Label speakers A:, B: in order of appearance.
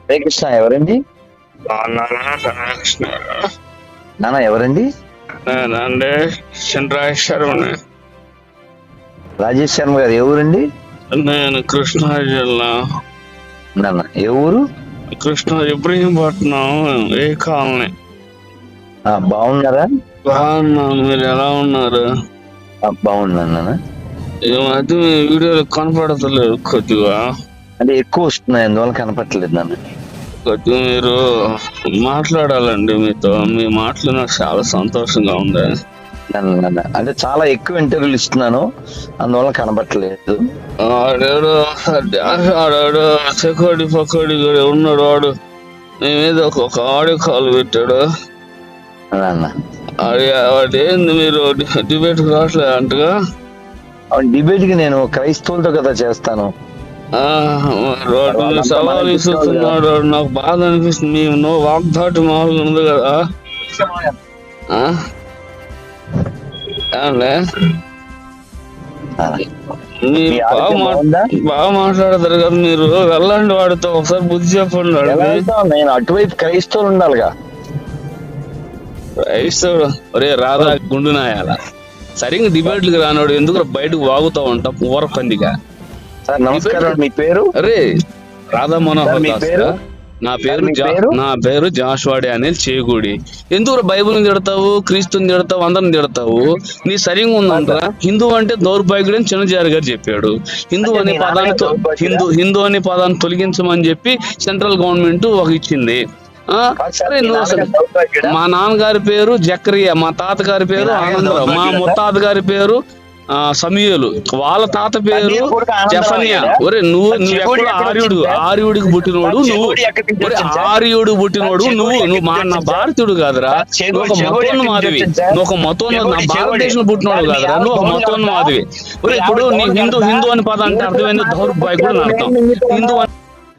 A: హరే కృష్ణ ఎవరండి? నాన్న ఎవరండి?
B: నేనండి రాజేష్ శర్మని.
A: రాజేష్ శర్మ గారు ఏ ఊరండి?
B: నేను కృష్ణా జిల్లా.
A: నాన్న ఏ ఊరు?
B: కృష్ణా ఇబ్రహీంపట్నం ఏ కాలనీ.
A: బాగున్నారా?
B: బాగున్నాను, మీరు ఎలా ఉన్నారు?
A: బాగున్నాను నాన్న.
B: ఈ మధ్య మీ వీడియోలు కనపడతలేదు కొద్దిగా.
A: అంటే ఎక్కువ వస్తున్నాయి, అందువల్ల కనపట్టలేదు నాన్న.
B: కొద్దిగా మీరు మాట్లాడాలండి, మీతో మీ మాటలు నాకు చాలా సంతోషంగా ఉంది.
A: నాన్న అంటే చాలా ఎక్కువ ఇంటర్వ్యూలు ఇస్తున్నాను, అందువల్ల కనపట్టలేదు.
B: ఆడేడు చెకోడి పకోడి కూడా ఉన్నాడు, వాడు మీ మీద ఒక ఆడియో కాల్ పెట్టాడు. వాడు ఏంది మీరు డిబేట్ రావట్లేదు అంటగా?
A: డిబేట్ కి నేను క్రైస్తవులతో కదా చేస్తాను.
B: సవాల్ ఇస్తున్నాడు, నాకు బాధ అనిపిస్తుంది. నో వాగ్దాటి మామూలుగా ఉంది కదా. బాగా మాట్లాడతారు కదా మీరు. వెళ్ళండి వాడితో, ఒకసారి బుద్ధి చెప్పండి.
A: నేను అటువైపు క్రైస్తవులు ఉండాలిగా.
B: క్రైస్తవుడు ఒరే రాధా గుండు నాయాల సరిగ్గా డిబేట్లకు రానోడు ఎందుకు బయటకు వాగుతా ఉంటా ఊర పందిగా.
A: సార్ నమస్కారం, మీ పేరు?
B: అరే రాధా మనోహర్ దాస్. నా పేరు జాషువాడే అనేది చేకూడి. ఎందుకు బైబుల్ని తిడతావు, క్రీస్తుని తిడతావు, అందరిని తిడతావు? నీ సరిగా ఉందంటారా? హిందూ అంటే దౌర్భాగ్యుడు అని చిన్నజారి గారు చెప్పాడు. హిందూ అనే పదాన్ని తొలగించమని చెప్పి సెంట్రల్ గవర్నమెంట్ ఒక ఇచ్చింది. మా నాన్నగారి పేరు జక్రియా, మా తాతగారి పేరు ఆనందరావు, మా ముత్తాత గారి పేరు సమీయులు, వాళ్ళ తాత పేరు జఫనియా. ఒరే నువ్వు ఎక్కడ ఆర్యుడికి పుట్టినోడు నువ్వు. ఆర్యుడికి పుట్టినోడు నువ్వు నా భారతీయుడు కాదురా. నువ్వు ఒక మతోన్మాదివి. నా భారతదేశం పుట్టినోడు కాదురా, నువ్వు ఒక మతోన్మాదివి. ఒరే ఇప్పుడు నీ హిందూ అని పదం అంటే అర్థమైంది దౌర్భాగ్యుడు అని అర్థం. హిందూ